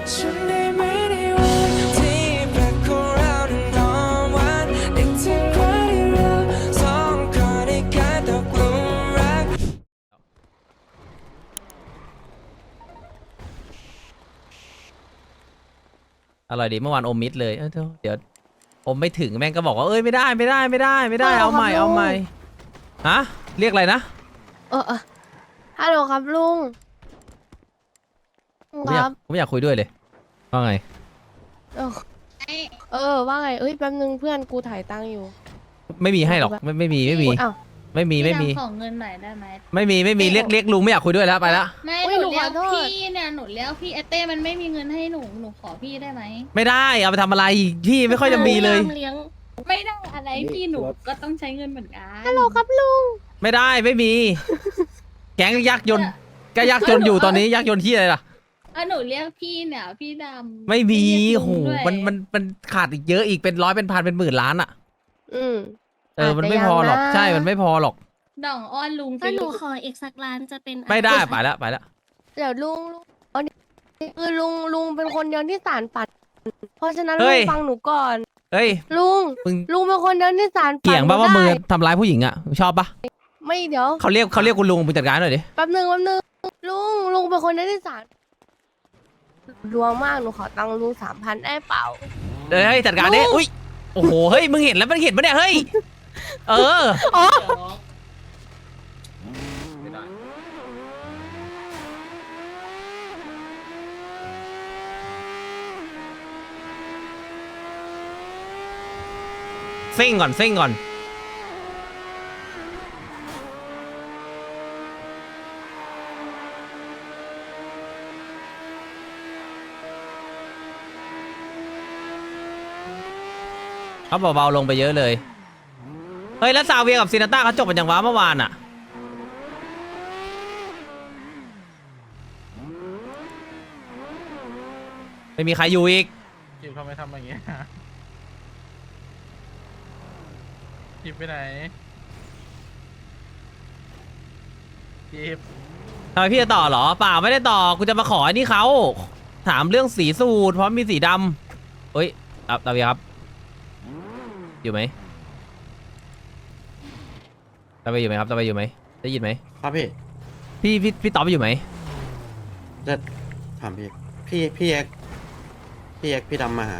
ฉันได้ไหมในวันที่แปลกของเรานั้นหอมหวานนึกถึงวันที่เราสองคนได้กลายตกหลุมรักอร่อยดีเมื่อวานอมมิดเลยเดี๋ยวอมไม่ถึงแม่งก็บอกว่าเอ้ยไม่ได้เอาใหม่ฮะเรียกอะไรนะฮัลโหลครับลุงลุงครับผมไม่อยากคุยด้วยเลยว่าไงว่าไงแป๊บนึงเพื่อนกูถ่ายตังค์อยู่ไม่มีให้หรอกไม่มีอ้าวไม่มีขอเงินหน่อยได้ไหมไม่มีเรียกลุงไม่อยากคุยด้วยแล้วไปละไม่อุ๊ยหนูเรียกหนูขอโทษพี่เนี่ยหนูเรียกพี่เอเต้มันไม่มีเงินให้หนูขอพี่ได้ไหมไม่ได้เอาไปทำอะไรพี่ไม่ค่อยจะมีเลยเลี้ยงไม่ได้อะไรพี่หนูก็ต้องใช้เงินเหมือนกันฮัลโหลครับลุงไม่มี แก๊งยักษ์ยนต์ก็ยักษ์ยนต์อยู่ตอนนี้ยักษ์ยนต์ที่อะไรล่ะหนูเรียกพี่เนี่ยพี่ดำไม่มีเรียกโหลุงด้วยมันขาดอีกเยอะอีกเป็นร้อยเป็นพันเป็นหมื่นล้านอ่ะ มันไม่พอหรอกใช่มันไม่พอหรอกด่องอ้อนลุงถ้าหนูสิขออีกสักล้านจะเป็นไม่ได้ไปละเดี๋ยวลุงคือลุงเป็นคนเดียวที่สารฝันเพราะฉะนั้นเฮ้ลุยงฟังหนูก่อนเฮ้ยลุงมึงเป็นคนเดียวที่สารฝันเกี่ยงป่ะว่าได้มือทำร้ายผู้หญิงอ่ะชอบปะไม่เดี๋ยวเขาเรียกคุณลุงมึงจัดการหน่อยดิแป๊บนึงลุงเป็นคนเดียวที่สารดวงมากหนูขอตังค์ลุง3,000ได้เปล่าเฮ้ยจัดการดิอุ้ยโอ้โหเฮ้ยมึงเห็นแล้วมันเห็นปะเนี่ยเฮ้ยซิ่งก่อนเขาเบาๆลงไปเยอะเลยเฮ้ยแล้วซาเวียกับซินาต้าเขาจบกันอย่างว้าเมื่อวานอะไม่มีใครอยู่อีกกิฟเขาไม่ทำอย่างเงี้ยกิฟไปไหนกิฟทำไมพี่จะต่อเหรอเปล่าไม่ได้ต่อกูจะมาขอไอ้นี่เขาถามเรื่องสีสูตรเพราะมีสีดำเฮ้ยตาเวียครับอยู่ไหมตาเวียอยู่ไหมครับตาเวียอยู่ไหมได้ยินไหมครับพี่พี่ตอบอยู่ไหมจะถามพี่เอ็กพี่ดำมาหา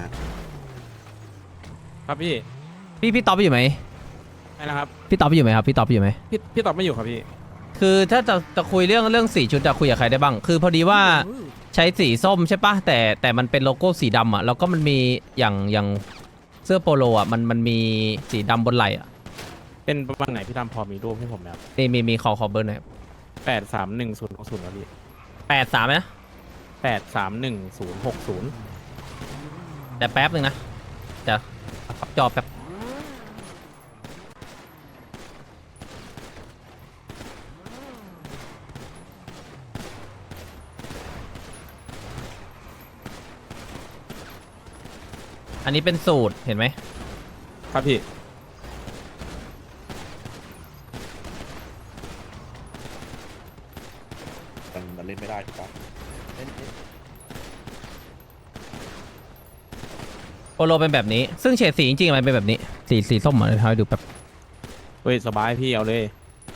ครับพี่พี่ตอบอยู่ไหมไอ้นะครับพี่ตอบอยู่ไหมครับพี่ตอบอยู่ไหมพี่ตอบไม่อยู่ครับพี่คือถ้าจะคุยเรื่องสีชุดจะคุยกับใครได้บ้างคือพอดีว่าใช้สีส้มใช่ปะแต่มันเป็นโลโก้สีดำอ่ะแล้วก็มันมีอย่างเสื้อโปโลอ่ะมันมีสีดำบนไหล่อ่ะเป็นประมาณไหนพี่ทำพอมีรูปให้ผมไหมครับมีขอเบอร์หน่อย 8310060ครับพี่ 83นะ 8310060 แต่แป๊บนึงนะจะพับจอแป๊บอันนี้เป็นสูตรเห็นไหมครับพี่มันเล่นไม่ได้ถูกปะโปโลเป็นแบบนี้ซึ่งเฉดสีจริงๆมันเป็นแบบนี้สีส้มอ่ะเดี๋ยวให้ดูแบบเฮ้ยสบายพี่เอาเลย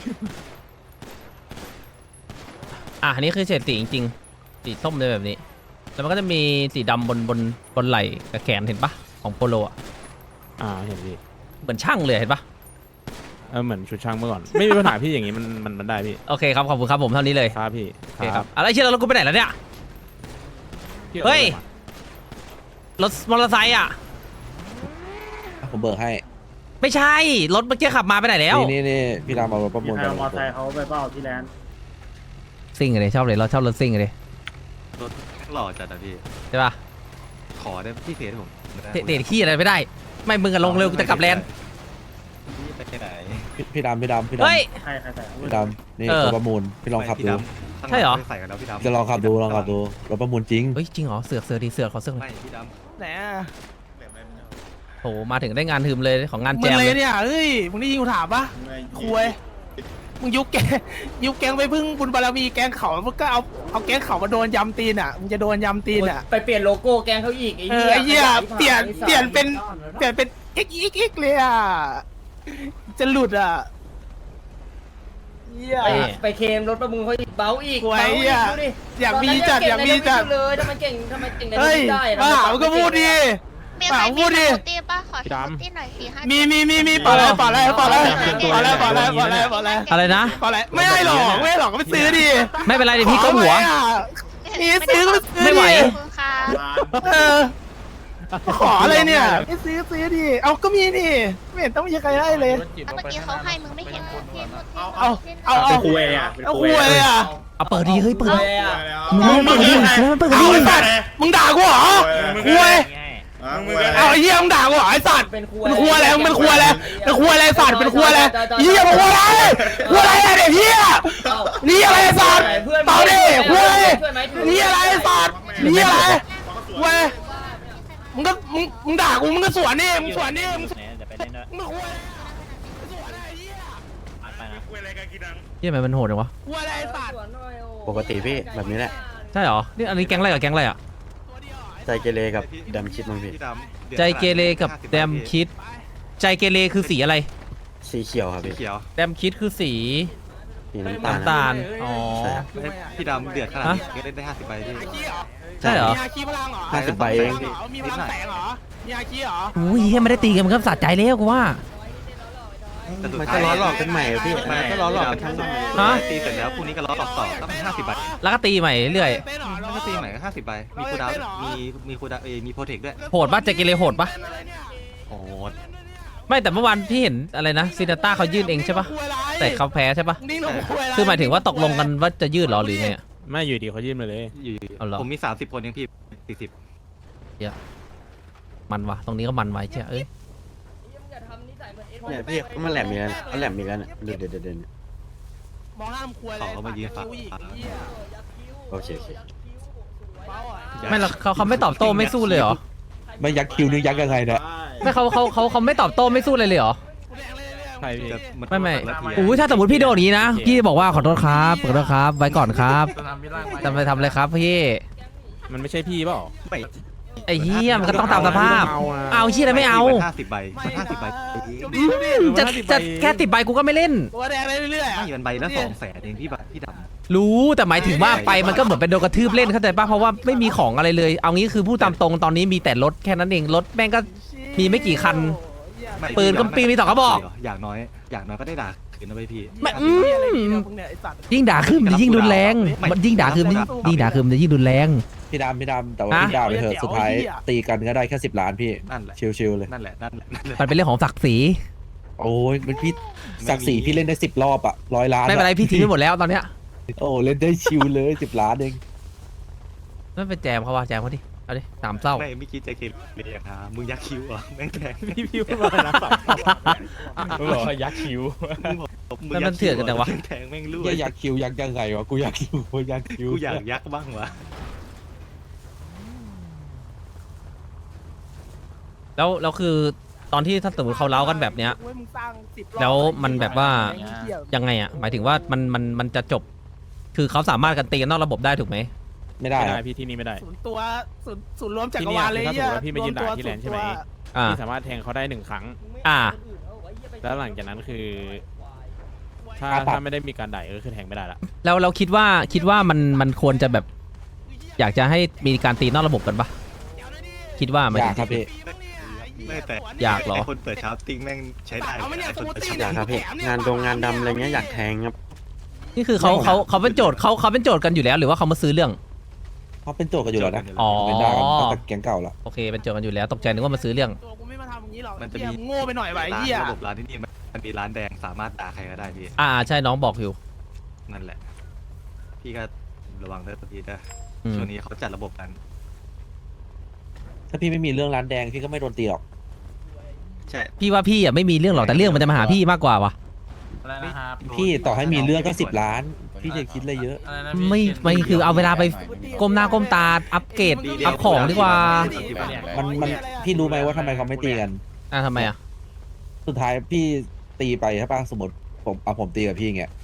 อันนี้คือเฉดสีจริงๆสีส้มเลยแบบนี้แล้วมันก็จะมีสีดำบนไหล่กับแขนเห็นปะของโปโลอ่ะเห็นพี่เหมือนช่างเลยเห็นปะเหมือนชุดช่างเมื่อก่อน ไม่มีปัญหาพี่อย่างงี้มันได้พี่โอเคครับขอบคุณครับผมเท่านี้เลยครับพี่โอเคครับอะไรเชื่อแล้วกูไปไหนแล้วเนี่ยพี่เฮ้ย รถมอเตอร์ไซค์อ่ะผมเบิกให้ไม่ใช่รถเมื่อกี้ขับมาไปไหนแล้วนี่พี่ดำเอารถประมูลใครเอามอเตอร์ไซค์เขาไปเปล่าที่แลนด์ซิ่งเลยชอบเลยเราชอบรถซิ่งเลยรถหล่อจัดอะพี่ใช่ปะขอได้พี่เพจผมเตะขี้อะไรไม่ได้ ไม่มึงกันลงเร็วกูจะกลับแลนด์พี่ไปไหนพี่ดำเฮ้ยใครใส่เอาพี่ดำนี่เออรถประมูลพี่ลองขับดูใช่เหรอใส่กันแล้วพี่ดำจะลองขับดูรถประมูลจริงเฮ้ยจริงเหรอเสือกดีเสือกขอเสือกหน่ไม่อยพี่ดแหนโหมาถึงได้งานทึมเลยของงานแจมเลยมึงได้ยินกูถามปะคุยมึงยุบแกงไปพึ่งบุญบารมีแกงเขามึงก็เอาแกงเขามาโดนยำตีนอ่ะมึงจะโดนยำตีนอ่ะไปเปลี่ยนโลโก้แกงเขาอีกไอ้ไอ้เหี้ยเหี้ยเปลี่ยนเป็นx เลยอ่ะจะหลุดอ่ะเหี้ยไปเคมรถประมูลเขาอีกเบาอีกโอ้ยเหี้ยอยากมีจัดอยากมีจัดเลยทำไมเก่งในเฮ้ยได้บ้ามึงก็พูดดิมีใครมีสกูตี้ป่ะขอสพี่ดำกูตี้หน่อย4-5 มีปล่อยเลยอะไรนะไม่ให้หรอกก็ไปซื้อดิไม่เป็นไรเดี๋ยวพี่ก็หัวมีซื้อก็ไปซื้อไม่ไหวขอบคุณค่ะขออะไรเนี่ยไม่ซื้อดิเอาก็มีนี่ไม่เห็นต้องมีใครให้เลยแล้วเมื่อกี้เขาให้มึงไม่เห็นเหรอที่นู่นที่เอาคุยอ่ะเอาเปิดดีเฮ้ยเปิดเลยอ่ะมึงเปิดดิแล้วมันเปิดเอาดิไอ้สัตว์มึงด่ากูเหรอคุยเอาไอ้เหี้ยมึงด่ากูเหรอไอ้สัตว์เป็นครัวเป็นครัวอะไรเป็นครัวอะไรเป็นครัวอะไรสัตว์เป็นครัวอะไรเหี้ยเป็นครัวอะไรครัวอะไรอะเด็กเหี้ยนี่อะไรสัตว์เปล่าดิครัวอะไรนี่อะไรสัตว์นี่อะไรครัวมึงด่ากูมึงก็สวนนี่มึงสวนนี่มึงครัวเหี้ยทำไมมันโหดจังวะครัวอะไรสัตว์ปกติพี่แบบนี้แหละใช่เหรอนี่อันนี้แก๊งอะไรกับแก๊งอะไรอ่ะใจเกเรกับดำคิดมั้งพี่พี่ดำใจเกเรกับแดมคิด ใจเกเรคือสีอะไรสีเขียวครับสีพี่เขียวแดมคิดคือสีสีน้ำตาลน้ำตาลอ๋อใช่ครับพี่ดำเดือดขนาดนี้ก็เล่นได้50ใบพี่ใช่เหรอมีฮาคีพลังเหรอ 50 ใบเองมีพลังแสงเหรอมีฮาคีเหรออุ้ยเหี้ยไม่ได้ตีกันมันก็สะใจแล้วกูว่าแต่สุดมันท้าก็ยล้อหลอกกันใหม่อะพี่ไม่มันก็ล้อหลอกกันทั้งฮะตีเสร็จแล้วพรุ่งนี้ก็ล้อต่อก็เป็น50ใบแล้วก็ตีใหม่เรื่อยเต้นเหรอแล้วก็ตีใหม่ก็50ใบมีคูลดาวน์มีคูลดาวน์มีโปรเทคด้วยโหดปะใจเกเรโหดปะโอ้โหไม่แต่เมื่อวานพี่เห็นอะไรนะซินาต้าเขายื่นเองใช่ปะแต่เขาแพ้ใช่ปะนิ่งหนูคุยอะไรคือหมายถึงว่าตกลงกันว่าจะยืดเหรอหรือไงอะไม่อยู่ดีเขายื่นมาเลยอยู่เอาเหรอผมมี30คนยังพี่40 มันวะตรงนี้ก็มันไว้เจ้าเอ้ยเนี่ยพี่เขามาแหลมมีกันเขาแหลมมีกันเดินมองห้ามคุยอะไรเขามายืนฝั่งโอเคไม่แล้วเขาไม่ตอบโต้ไม่สู้เลยเหรอไม่ยักคิวนี่ยักยังไงเนี่ยไม่เขาไม่ตอบโต้ไม่สู้เลยเหรอใช่พี่ไม่อุ้ยถ้าสมมติพี่โดนอย่างนี้นะพี่บอกว่าขอโทษครับขอโทษครับไว้ก่อนครับจะไปทำอะไรครับพี่มันไม่ใช่พี่เปล่าไม่ไอ้เหี้ยมันก็ต้องตามสภาพ เอาเหี้ยอะไรไม่เอา 50ใบ50ใบจะแค่10 ใบกูก็ไม่เล่นตัวแดงเรื่อยๆไม่มันใบละ200,000เองพี่ดำรู้แต่หมายถึงว่าไปมันก็เหมือนเป็นโดนกระทืบเล่นเข้าใจป่ะเพราะว่าไม่มีของอะไรเลย เอางี้คือพูดตามตรงตอนนี้มีแต่รถแค่นั้นเองรถแม่งก็มีไม่กี่คัน ปืนก็ปีมี2 กระบอกอย่างน้อยก็ได้ด่าคืนนะพี่ไม่ยิ่งด่าขึ้นมันยิ่งรุนแรงมันยิ่งด่าขึ้นมันยิ่งด่าขึ้นมันจะยิ่งรุนแรงพี่ดำแต่ว่าพี่ด่าไปเถอะสุดท้ายตีกันก็ได้แค่10 ล้านพี่นั่นแหละชิวๆเลยนั่นแหละมันเป็นเรื่องของศักดิ์ศรีโอ้ยมันพี่ศักดิ์ศรีพี่เล่นได้10 รอบอะ100 ล้านไม่เป็นไรพี่ทิ้งไปหมดแล้วตอนเนี้ยโอ้เล่นได้ชิวเลย10 ล้านเองไม่เป็นแจมเขาว่าแจมเขาดิเอาดิสามเศร้าไม่คิดจะเกลียดครับมึงยักคิ้วเหรอแม่งแทงพี่พูดว่านะมึงบอกว่ายักคิ้วมันเถื่อนกันแต่วะแทงแม่งรั่วเหี้ยยักคิวยักยังไงวะกูยักคิวยักคิวกูอยากยักบ้างวะแล้วคือตอนที่ถ้าสมมติเขาเล้ากันแบบเนี้ย แล้วมันแบบว่า ยังไงอ่ะหมายถึงว่ามันจะจบ คือเขาสามารถกันตีกันนอกระบบได้ถูกไหมไม่ได้ไม่อะได้พี่ที่นี่ไม่ได้ศูนย์รวมจักรวาลเลยที่เนี่ยคือถ้าสมมติว่าพี่ไม่ยืนด่าที่แลนด์ใช่ไหมอ่าพี่สามารถแทงเขาได้1 ครั้งอ่าแล้วหลังจากนั้นคือ ถ้าไม่ได้มีการด่าก็คือแทงไม่ได้ละแล้วเราคิดว่ามันควรจะแบบ อยากจะให้มีการตีนอกระบบกันปะคิดว่ามันอยากครับพี่ไม่แต่อยากเหรอไคนเปิดชาร์ปติ้งแม่งใช้ได้เอาไม่เนี่ยไอ้คนเปิดสมูทตี้ชาร์ปอยากครับพี่งานดำอะไรเงี้ยอยากแทงครับนี่คือเขาเป็นโจทย์เขาเป็นโจทย์กันอยู่แล้ว หรือว่าเขามาซื้อเรื่องเขาเป็นโจทย์กันอยู่แล้วนะอ๋อเป็นด่ากันตั้งแต่แก๊งเก่าละโอเคเป็นโจทย์กันอยู่แล้วตกใจนึกว่ามาซื้อเรื่องตัวกูไม่มาทำอย่างนี้หรอกมันจะมีโง่ไปหน่อยไว้เหี้ยระบบร้านที่นี่มันมีร้านแดงสามารถด่าใครก็ได้พี่ใช่น้องบอกอยู่นั่นแหละ พี่ก็ระวังด้วยพี่นะอืมช่วงนี้เขาจัดระบบกันถ้าพี่ไม่มีเรื่องร้านแดงพี่ก็ไม่โดนตีหรอกใช่พี่ว่าพี่อ่ะไม่มีเรื่องหรอกแต่เรื่องมันจะมาหาพี่มากกว่าวะพี่ต่อให้มีเรื่องก็10 ล้าน พี่จะคิดอะไรเยอะไม่คือเอาเวลาไปก้มหน้าก้มตาอัปเกรดอัพของดีกว่ามันพี่รู้ไหมว่าทำไมเขาไม่ตีกันทำไมอ่ะสุดท้ายพี่ตีไปใช่ปะสมมติผมตีกับพี่อย่างเงี้ย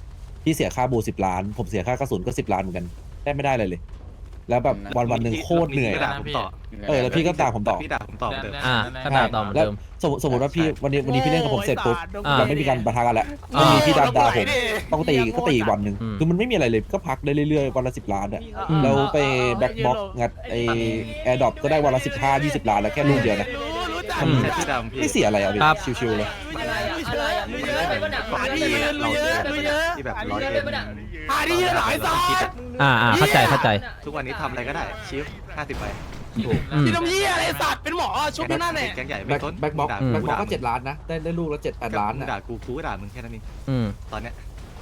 พี่เสียค่าบู10 ล้าน ผมเสียค่ากระสุนก็10 ล้านเหมือนกันได้ไม่ได้เลย แล้วแบบวันหนึ่งโคตรเหนื่อยพี่ด่าผมต่อแล้วพี่ก็ด่าผมต่อพี่ด่าผมต่อเหมือนเดิมก็ด่าต่อเหมือนแล้วเดิมสมมติว่าพี่วันนี้พี่เล่นกับผมเสร็จปุ๊บอ่าเราไม่มีการปะทะกันแล้วอ่าไม่มีพี่ด่าผมต้องตีก็ตีอีกวันหนึ่งอืมคือมันไม่มีอะไรเลยก็พักได้เรื่อยๆวันละ10 ล้านอ่ะอืมแล้วไปแบ็คบ็อกงัดไอแอร์ดรอปก็ได้วันละ15-20 ล้านแล้วแค่ลูกเดียวนะอืมแค่พี่ดำพี่ไม่เสียอะไรอ่ะพี่ครับชิวๆเลยอะไรอ่ะมึงเยอะไปปะเนี่ยก่อนที่เราเจอที่แบบร้อยเอ็นหาดีหลายสายเข้าใจทุกวันนี้ทำอะไรก็ได้ชิฟ50 ไปอืมพี่น้ำยี่อะไรสัตว์เป็นหมอชุบนั่นแหละแก๊งใหญ่แบ็ไม่คต้นแบ็คบ็อกด่าแบ็คบ็อกด่าก็7 ล้านนะได้ลูกละ7-8 ล้านมึงอ่ะด่ากูก็ด่ามึงแค่นั้นเองอืมตอนเนี้ย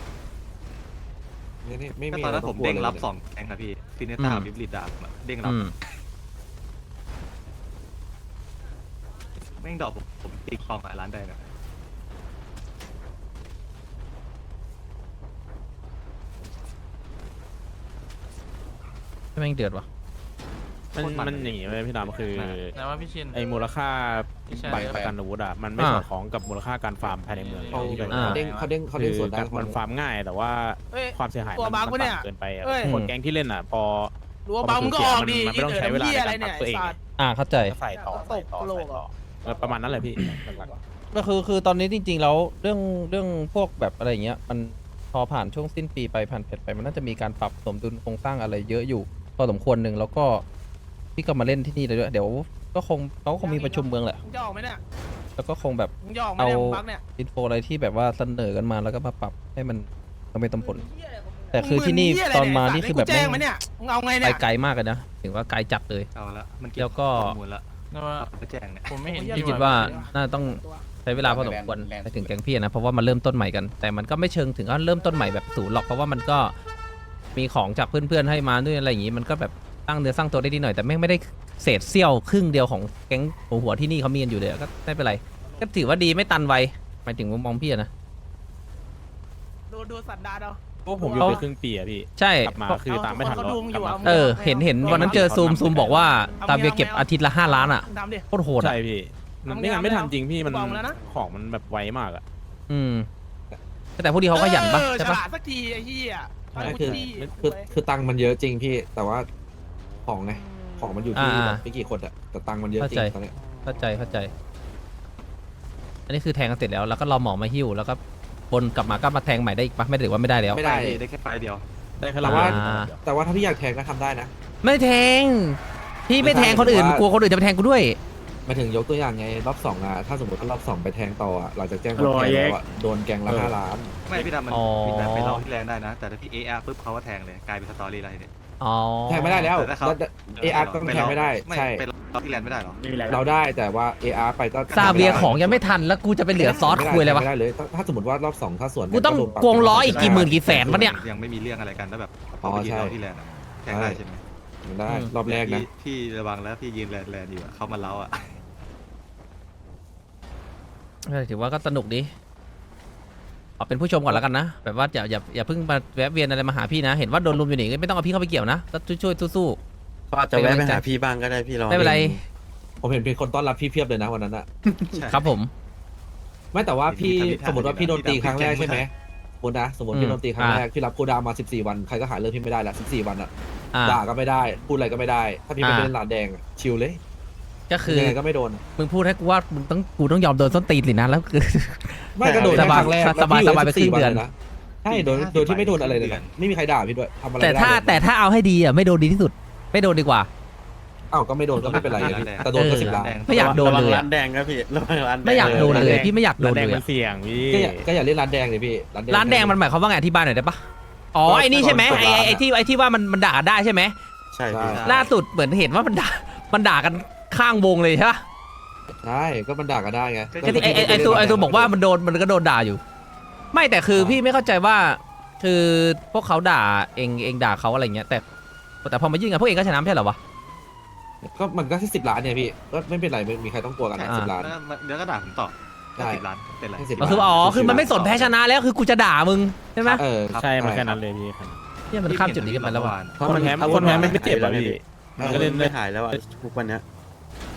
นี่ไม่ก็มีตอนนั้นะไรผมกลัวเด้งลยรับ2แก๊งครับพี่ฟินเนต้าอืมบิบลิดด่าผมอะเด้งรับอืมแม่งดอกผมตีคลองหลายล้านได้นะแม่งเดือดว่ะมันอย่างงี้เลยพี่ดำคือแต่ว่าพี่ชินไอ้มูลค่าพี่ชายบัตรประกันอาวุธอ่ะมันไม่สอดคล้องกับมูลค่าการฟาร์มภายในเมืองเขาที่เป็นเด้งเขาเด้งส่วนได้มันฟาร์มง่ายแต่ว่าเอ้ยความเสียหายตัวบั๊กมันวะเนี่ยต่ำเกินไปอะเอ้ยคนแก๊งที่เล่นอ่ะพอรัวบังมึงก็ออกดีมันไม่ต้องใช้เวลาในการปรับตัวเองเข้าใจก็ใส่ต่อใส่ต่อตกโลใส่กต่อประมาณนั้นแหละพี่หลักก็คือตอนนี้จริง ๆ แล้วเรื่องพวกแบบอะไรอย่างเงี้ยมันพอผ่านช่วงสิ้นปีไปผ่านเผ็ดไปมันน่าจะมีการปรับสมดุลโครงสร้างอะไรเยอะอยู่พอสมควรหนึ่งแล้วก็พี่ก็มาเล่นที่นี่เลยด้วยเดี๋ยวก็คงเขาก็คงมีประชุมเมืองแหละมึงจะออกไหมเนี่ยแล้วก็คงแบบมึงจะออกไหมเนี่ยมึงบักเนี่ยอินโฟอะไรที่แบบว่าเสนอกันมาแล้วก็มาปรับให้มันสมเหตุสมผล แต่คือที่นี่ตอนมานี่คือแบบแจ้งไหมเนี่ยมึงเอาไงไปเนี่ยไกลมากเลยนะถึงว่าไกลจัดเลยเอาละมันเก็บแล้วก็ข้อมูลละแต่ว่าไปแจ้งเนี่ยผมไม่เห็นพี่คิดว่าน่าต้องใช้เวลาพอสมควรไปถึงแก๊งพี่นะเพราะว่ามันเริ่มต้นใหม่กัน แต่มันก็ไม่เชิงถึงก็เริ่มต้นใหม่แบบศูนย์หรอกเพราะว่ามันก็มีของจากเพื่อนๆให้มาด้วยอะไรอย่างงี้มันก็แบบสร้างเนื้อสร้างตัวได้ดีหน่อยแต่ไม่ได้เศษเสี้ยวครึ่งเดียวของแก๊งหัวที่นี่เขามีกันอยู่เลยก็ไม่เป็นไรก็ถือว่าดีไม่ตันไวหมายถึงมุมมองพี่อะนะดูสันดานเอาๆพวกผมอยู่ไปครึ่งปีอะพี่ใช่กลับมาคือตามไม่ทันหรอกกลับมาเห็นวันนั้นเจอซูมบอกว่าตาเบียเก็บอาทิตย์ละ5 ล้านอ่ะทำดิโคตรโหดอ่ะใช่พี่มันไม่งั้นไม่ทันจริงพี่มันบอกแล้วนะของมันแบบไวมากอะอืมแต่พวกนี้เขาขยันปะใช่ฉปะลาดสักทีไอ้เหี้ยไม่คือตังค์มันเยอะจริงพี่ แต่ว่าของไงของมันอยู่ที่แบบไม่กี่คนอะแต่ตังค์มันเยอะจริงตอนเนี้ยเข้าใจ อันนี้คือแทงกันเสร็จแล้วแล้วก็รอหมอมาหิ้วแล้วก็บนกลับมาก็มาแทงใหม่ได้อีกปะไม่ได้หรือว่าไม่ได้แล้วไม่ได้ได้แค่ไฟล์เดียวได้แค่แต่ละว่าอ่าแต่ว่าถ้าพี่อยากแทงก็ทำได้นะไม่แทงพี่ไม่แทงคนอื่นไม่ใช่กลัวคนอื่นจะไปแทงกูด้วยมาถึงยกตัวอย่างไงรอบ2อะถ้าสมมติว่ารอบ2ไปแทงต่ออะหลังจากแจ้งความแทงแล้วอะโดนแกงละ5 ล้านไม่พี่ดำมันอ๋อมีแบบไปเล่าที่แรงได้นะ แต่ถ้าพี่ AR ปุ๊บเขาก็แทงเลยกลายเป็นสตอรี่อะไรเนี่ยอ๋อแทงไม่ได้แล้วแต่ถ้าเขา AR ก็แทงไม่ได้ ใช่ไปเล่าที่แลนด์ไม่ได้หรอเราได้แต่ว่า AR ไปก็ซาเบียของยังไม่ทันแล้วกูจะไปเหลือซอสคุยอะไรวะไม่ได้เลยถ้าสมมติว่ารอบ2ถ้าสวนกูต้องโดนปรับโกงล้ออีกกี่หมื่นกี่แสนวะเนี่ยยังไม่มีเรื่องอะไรกันแล้วแบบอ๋อเขาไปยืนใช่เล่าที่แลนด์อะแทงได้ใช่ไหมมันได้รอบแรกนะพี่ระวังแล้วพี่ยืนแลนด์อยู่อะเขามาเล้าอ่ะถือว่าก็สนุกดีเอาเป็นผู้ชมก่อนแล้วกันนะแบบว่าอย่าเพิ่งมาแวะเวียนอะไรมาหาพี่นะ เห็นว่าโดนลุมอยู่นี่ไม่ต้องเอาพี่เข้าไปเกี่ยวนะก็ช่วยสู้ก็อาจจะแวะไปหาพี่บ้างก็ได้พี่รอไม่เป็นไรผมเห็นเป็นคนต้อนรับพี่เพียบเลยนะวันนั้นอะใช่ครับผมไม่แต่ว่าพี่มีท่าสมมติว่าพี่โดนตีครั้งแรกใช่ไหมสมมติพี่โดนตีครั้งแรกอ่าพี่รับคูลดาวน์มา14 วันใครก็หาเรื่องพี่ไม่ได้ละ14 วันอะอ่าด่าก็ไม่ได้พูดอะไรก็ไม่ได้ ถ้าพี่ไม่อ่าเล่นหลาดแดงอะชิลเลยก็คือยังไงก็ไม่โดนมึงพูดให้กูว่ามึงกูต้องยอมโดนส้นตีนสินะแล้วคือไม่ก็โดนสบายครั้งแรกสบายแล้วพี่สบายไปครึ่งเดือน 14วัะใช่โดยที่ไม่โดนอะไรเลยนะไม่มีใครด่าพี่ด้วยทำอะไรแต่ไม่ได้ถ้าเลยแต่ถ้าเอาให้ดีอ่ะไม่โดนดีที่สุด ไม่โดนดีกว่าอ้าวก็ไม่โดนก็ไม่เป็นไรไงพี่แต่โดนก็10 ล้านไม่อยากโดนเลยร้านแดงครับพี่ระวังร้านแดงไม่อยากโดนเลยพี่ไม่อยากโดร้านนแดงเลยมันอะเสี่ยงพี่ก็อย่าเล่นร้านแดงเลยพี่ร้านแดงมันหมายความว่าไงอธิบายหน่อยได้ปะอ๋อไอ้นี่ใช่ไหมไอ้ที่ว่ามันด่าได้ใช่ไหมใช่พี่ล่าสุดเหมือนเห็นว่ามันด่ากันข้างวงเลยใช่ปะใช่ก็มันด่ากันได้ไงไอ้ตัวบอกว่ามันก็โดนด่าอยู่ ไม่แต่คือพี่ไม่เข้าใจว่า คือพวกเขาด่าเองด่าเขาอะไรเงี้ยแต่พอมายื่นกันพวกเองก็ชนะไม่ใช่เหรอวะก็มันก็แค่10 ล้านเนี่ยพี่ก็ไม่เป็นไรไม่มีใครต้องกลัวกันนะอ่า 10 ล้านแล้วเดี๋ยวก็ด่าผมต่อใช่ 10 ล้านเป็นไรให้10 ก็คือคือมันไม่สนแพ้ชนะแล้วคือกูจะด่ามึงใช่ไหมใช่มันแค่นั้นเลยพี่ครับเนี่ยมันข้ามจุดนี้กันไปแล้วว่ะเพราะคนแพ้ไม่เจ็บอะพี่เออก็เล่นไม่หายแล้วอ่ะทุกวันเนี้ย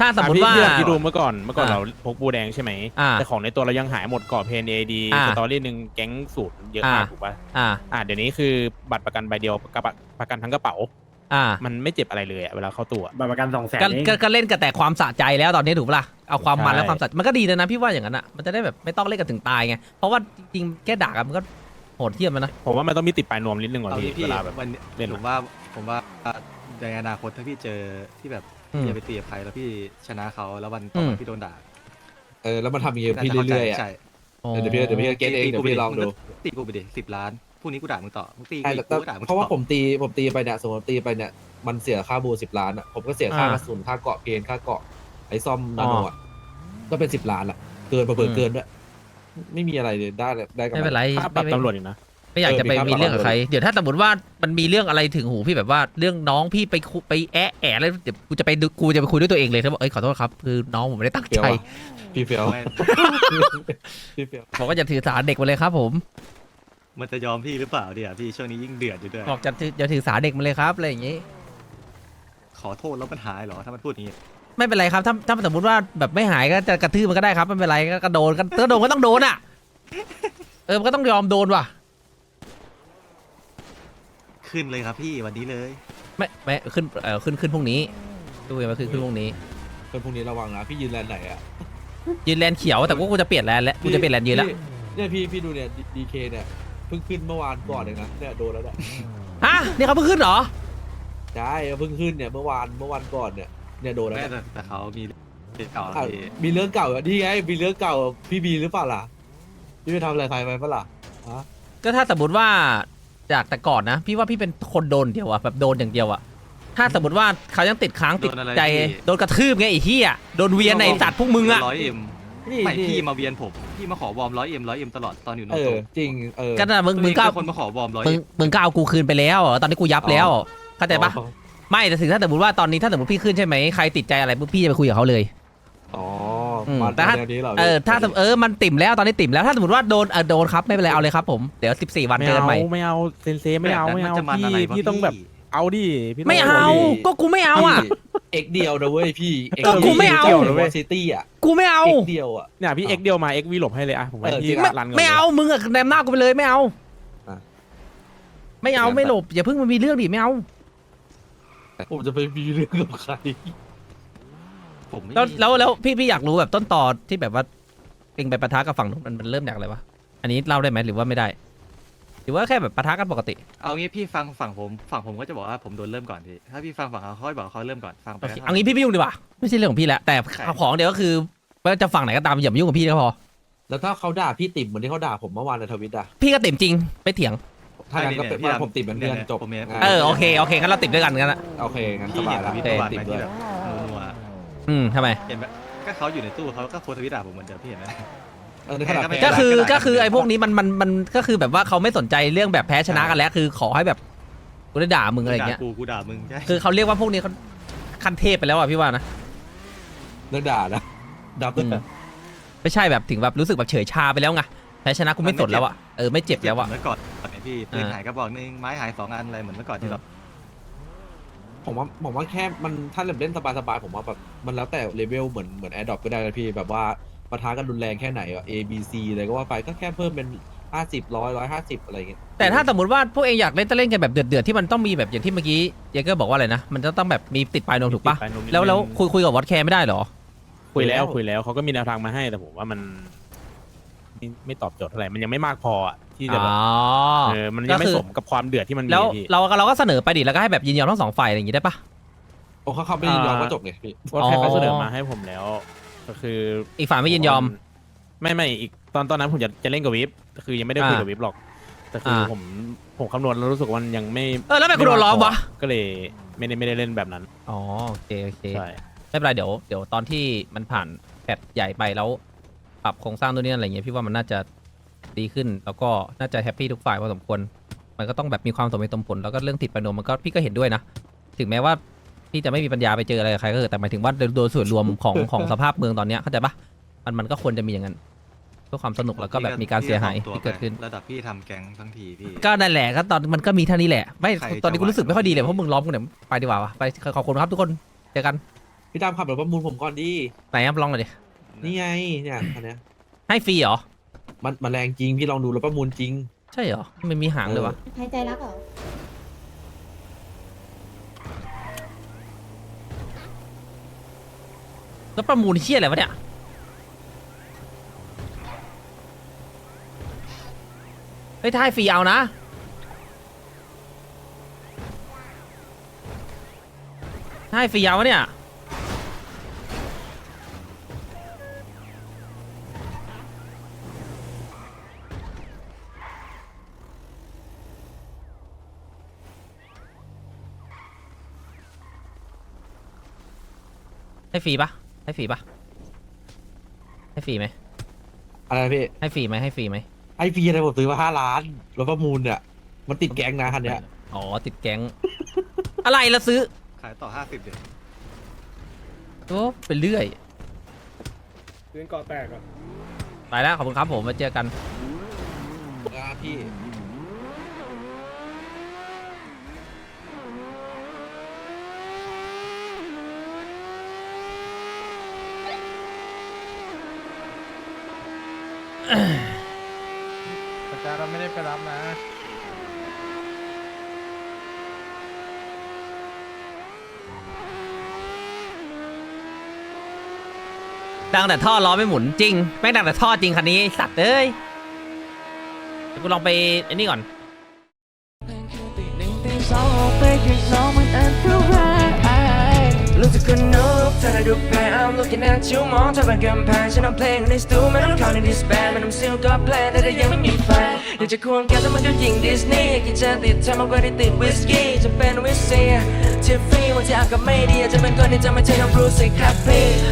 ถ้าสมมติว่าพี่ลองคิดดูเมื่อก่อนอ่าเราพกบูแดงใช่ไหมอ่าแต่ของในตัวเรายังหายหมดก่อเพนเอดีอ่าสตอรี่หนึ่งแก๊งสูตรเยอะมากถูกป่ะ เดี๋ยวนี้คือบัตรประกันใบเดียวกับประกันทั้งกระเป๋า มันไม่เจ็บอะไรเลยอะเวลาเข้าตัวบัตรประกัน200,000 ก็เล่นกันแต่ความสะใจแล้วตอนนี้ถูกปะล่ะเอาความมันใช่และความสะใจมันก็ดีเลยนะพี่ว่าอย่างนั้นอ่ะมันจะได้แบบไม่ต้องเล่นกันถึงตายไงเพราะว่าจริงๆแค่ด่ากันมันก็โหดเทียมมันนะผมว่ามันต้องมีติดปลายนวมนิดนึงก่อนเอาพี่พี่เวลาแบบวันเล่นผมว่าในอนาคตถ้าพี่เจอที่แบบอืมพี่จะไปตีกับใครแล้วพี่ชนะเขาแล้ววันต่อมาพี่โดนด่าแล้วมันทำอย่างเงี้ยน่าพี่จะเข้าใจเรื่อยๆอ่ะใช่เดี๋ยวพี่เก็ตเองเดี๋ยวพี่ลองดูตีกูไปดิ10 ล้านพรุ่งนี้กูด่ามึงต่อมึงตีใช่กูแต่กูด่ามึงเพราะว่าต่อผมตีไปเนี่ยสมมติตีไปเนี่ยมันเสียค่าบู10 ล้านอ่ะผมก็เสียค่ากระสุนค่าเกาะเพนค่าเกาะไอ้ซ่อมนาโนอ่ะก็เป็น10 ล้านอ่ะเกินเปิดเกินด้วยไม่มีอะไรเลยได้กันไม่เป็นไรค่าปรับตำรวจอีกนะไม่อยากจะไปมีเรื่องกับใครเดี๋ยวถ้าสมมติว่ามันมีเรื่องอะไรถึงหูพี่แบบว่าเรื่องน้องพี่ไปแอะแล้วเดี๋ยวกูจะไปคุยด้วยตัวเองเลยแล้วบอกขอโทษครับคือน้องผมไม่ได้ตั้งเฟี้ยวใจอะพี่เฟียวไม่พี่เฟียวบอกว่าจะถือสาเด็กมาเลยครับผมมันจะยอมพี่หรือเปล่าเดี๋ยวพี่ช่วงนี้ยิ่งเดือดอยู่ด้วยบอกจะถือสาเด็กมาเลยครับอะไรอย่างงี้ขอโทษแล้วมันหายเหรอถ้ามันพูดอย่างนี้ไม่เป็นไรครับถ้าสมมติว่าแบบไม่หายก็จะกระทืบมันก็ได้ครับไม่เป็นไรก็โดนก็โดนก็ต้องโดนอ่ะมันก็ต้องยอมโดนว่ะขึ้นเลยครับพี่วันนี้เลยไม่ขึ้นพรุ่งนี้ดูไปขึ้นพรุ่งนี้คนพวกนี้ระวังนะพี่ยืนแลนด์ไหนอ่ะยืนแลนเขียวแต่ว่ากูจะเปลี่ยนแลนแล้วกูจะเปลี่ยนแลนยืนแล้วเนี่ยพี่ดูเนี่ยดีเคเนี่ยเพิ่งขึ้นเมื่อวานก่อนเองนะเนี่ยโดนแล้วเนี่ยฮะนี่เขาเพิ่งขึ้นเหรอใช่เพิ่งขึ้นเนี่ยเมื่อวานก่อนเนี่ยโดนแล้วแม่เนี่ยแต่เขามีเรื่องเก่าแล้วอ่ะพี่มีเรื่องเก่าอ่ะนี่ไงมีเรื่องเก่าพี่บีหรือเปล่าล่ะพี่ไปทำอะไรใครไปปะล่ะฮะก็ถ้าสมมติว่าจากแต่ก่อนนะ พี่ว่าพี่เป็นคนโดนเดียวอะแบบโดนอย่างเดียวอะถ้าสมมติว่าเขายังติดค้างติดใจโดนกระทืบไงไอ้เหี้ยโดนเวียนในสัตว์พวกมึงอะ 100M ไม่พี่มาเวียนผมพี่มาขอวอร์ม 100M ตลอดตอนอยู่โนโตะจริงก็น่ะมึงก็เป็นคนมาขอวอร์มมึงก็เอากูคืนไปแล้วตอนนี้กูยับแล้วเข้าใจปะไม่แต่ถึงถ้าสมมติว่าตอนนี้ถ้าสมมติพี่ขึ้นใช่ไหมใครติดใจอะไรปุ๊บพี่จะไปคุยกับเขาเลยอ๋อมแต่ถ้าแนวนี้เหรอถ้ามันติ่มแล้วตอนนี้ติ่มแล้วถ้าสมมติว่าโดนครับไม่เป็นไรเอาเลยครับผมเดี๋ยว14 วันเจอกันใหม่ไม่เอาเซนเซไม่เอาพี่ต้องแบบเอาดิพี่ไม่เอาก็กูไม่เอาอ่ะเอกเดียวนะเว้ยพี่ก็กูไม่เอานะเว้ยซิตี้อ่ะกูไม่เอาเอกเดียวอ่ะเนี่ยพี่เอ็กเดียวมาเอ็กวีหลบให้เลยอะผมว่าพี่ไม่รันก่อนไม่เอามึงอะแนมหน้ากูไปเลยไม่เอาอ่ะไม่เอาไม่หลบอย่าเพิ่งมามีเรื่องดิไม่เอาผมจะไปมีเรื่องกับใครผมไม่แล้วพี่อยากรู้แบบต้นตอที่แบบว่าเองไปปะทะกับฝั่งนู้นมันเริ่มจากอะไรวะอันนี้เล่าได้ไหมหรือว่าไม่ได้หรือว่าแค่แบบปะทะกันปกติเอางี้พี่ฟังฝั่งผมก็จะบอกว่าผมโดนเริ่มก่อนพี่ถ้าพี่ฟังฝั่งเขาค่อยบอกเขาเริ่มก่อนฟังไปโอเคเอางี้พี่ไม่ยุ่งดีกว่าไม่ใช่เรื่องของพี่แล้วแต่ของเดี๋ยวก็คือว่าจะฝั่งไหนก็ตามอย่ามายุ่งกับพี่ก็พอแล้วถ้าเขาด่าพี่ติ่มเหมือนที่เขาด่าผมเมื่อวานในทวิตอ่ะพี่ก็ติ่มจริงไม่เถียงถ้างั้นก็เป็นว่าผมติ่มเป็นเพื่อนจบโอเคงั้นเราติ่มด้วยกันงั้นอะโอเคงั้นสพี่บาเห็ยนแล้วทวิตติ่เมื่อวานมไหมด้ที่วยแบบนัวทำไมเห็นไหมก็เขาอยู่ในตู้เขาก็โพสต์ทวิตด่าผมเหมือนเดิมพี่เห็นไหมในขณะไม่ก็คือได้ก็คือไอ้พวกนี้มันก็คือแบบว่าเขาไม่สนใจเรื่องแบบแพ้ชนะกันแล้วคือขอให้แบบกูได้ด่ามึงอะไรอย่างเงี้ยกูด่ามึงใช่คือเขาเรียกว่าพวกนี้เขาขั้นเทพไปแล้วอ่ะพี่ว่านะเรื่องด่านะดับไม่ใช่แบบถึงแบบรู้สึกแบบเฉยชาไปแล้วไงแพ้ชนะกูไม่สนแล้วอ่ะไม่เจ็บแล้วอ่ะเมื่อก่อนพี่ปืนหายกระบอกนึงไม้หาย2 อันอะไรเหมือนเมื่อก่อนที่เราผมว่าแค่มันถ้าเล่นสบายๆผมว่าแบบมันแล้วแต่เลเวลเหมือนแอร์ดรอปก็ได้นะพี่แบบว่าปะทะกันรุนแรงแค่ไหนอ่ะ A B C อะไรก็ว่าไปก็แค่เพิ่มเป็น50 100 150อะไรอย่างเงี้ยแต่ถ้าสมมติว่าพวกเองอยากเล่นจะเล่นกันแบบเดือดๆที่มันต้องมีแบบอย่างที่เมื่อกี้เยเกอร์บอกว่าอะไรนะมันจะต้องแบบมีติดปลายนวมถูกปะแล้วคุยกับวอตแคร์ไม่ได้เหรอคุยแล้วเขาก็มีแนวทางมาให้แต่ผมว่ามันไม่ตอบโจทย์เท่าไหร่มันยังไม่มากพออะที่จะแบบมันยังไม่สมกับความเดือดที่มันมีแล้วพี่เราก็เสนอไปดิแล้วก็ให้แบบยินยอมทั้งสองฝ่ายอะไรอย่างงี้ได้ปะโอ้เขาไม่ยินยอมก็จบไงพี่ว่าแค่เขาเสนอมาให้ผมแล้ว ก็คืออีกฝ่ายไม่ยินยอมไม่อีกตอนนั้นผมจะเล่นกับวิปคือยังไม่ได้คุยกับวิปหรอกแต่คือผมคำนวณแล้วรู้สึกว่ามันยังไม่แล้วทำไมกูโดนล้อมวะก็เลยไม่ได้เล่นแบบนั้นอ๋อโอเคใช่ไม่เป็นไรเดี๋ยวตอนที่มันผ่านแพทใหญ่ไปแล้วปรับโครงสร้างตัวนี้อะไรเงี้ยพี่ว่ามันน่าจะดีขึ้นแล้วก็น่าจะแฮปปี้ทุกฝ่ายพอสมควรมันก็ต้องแบบมีความสมเหตุสมผลแล้วก็เรื่องติดประนมมันก็พี่ก็เห็นด้วยนะถึงแม้ว่าพี่จะไม่มีปัญญาไปเจออะไรกับใครก็เถอะแต่หมายถึงว่าโดยส่วนรวมของสภาพเมืองตอนเนี้ยเข้าใจปะมันก็ควรจะมีอย่างนั้นเพื่อความสนุกแล้วก็แบบมีการเสียหายที่เกิดขึ้นระดับพี่ทำแก๊งทั้งทีพี่ก็นั่นแหละก็ตอนมันก็มีเท่านี้แหละไม่ใครตอนนี้กูรู้สึกจะไหวไม่ค่อยดีเลยเพราะมึงล้อมกูเนี่ยไปดีกว่าวะไปขอบคุณครับทุกคนเจอกันพี่ดำขับรถประมูลผมก่อนดิไหนครับลองหน่อยดินี่ไงเนี่ยคันเนี้ยให้ฟรีเหรอมันแรงจริงพี่ลองดูรถประมูลจริงใช่เหรอไม่มีหางเลยวะหายใจรักเหรอแล้วประมูลเชี่ยอะไรวะเนี่ยเฮ้ยถ้าให้ฟรีเอานะถ้าให้ฟรีเอาวะเนี่ยให้ฟรีปะให้ฟรีปะให้ฟรีไหมอะไรนะพี่ให้ฟรีไหมให้ฟรีไหมไอพีอะไรผมซื้อมา5 ล้านรถประมูลเนี่ยมันติดแก๊งนะคันเนี้ยอ๋อติดแก๊ง อะไรละซื้อขายต่อ50เดือนโอ้ไปเรื่อยเรื่องก่อแตกอ่ะไปแล้วขอบคุณครับผมมาเจอกันพี่ประจาเราไม่ได้ไปรับนะดังแต่ท่อล้อไม่หมุนจริงแม่งดังแต่ท่อจริงคันนี้ไอ้สัตว์เอ้ยเดี๋ยวกูลองไปไอ้นี่ก่อนรู้สึกคนนุกเธอได้ดูแพ้ I'm looking at you มองเธอเป็นกำแพงฉันเอาเพลงในสตูไม่ต้องเข้าในดิสแบนไม่ต้องซิลก็แพลนแต่ยังไม่มีแฟนอยากจะควงแกแต่มันก็ยิงดิสนีย์กินจะติดเธอมากกว่าที่ติดวิสกี้จะเป็นวิสเซียที่ฟรีวันที่อากาศไม่ดีจะเป็นคนที่จะไม่ใช่น้องบรูซสิครับพี่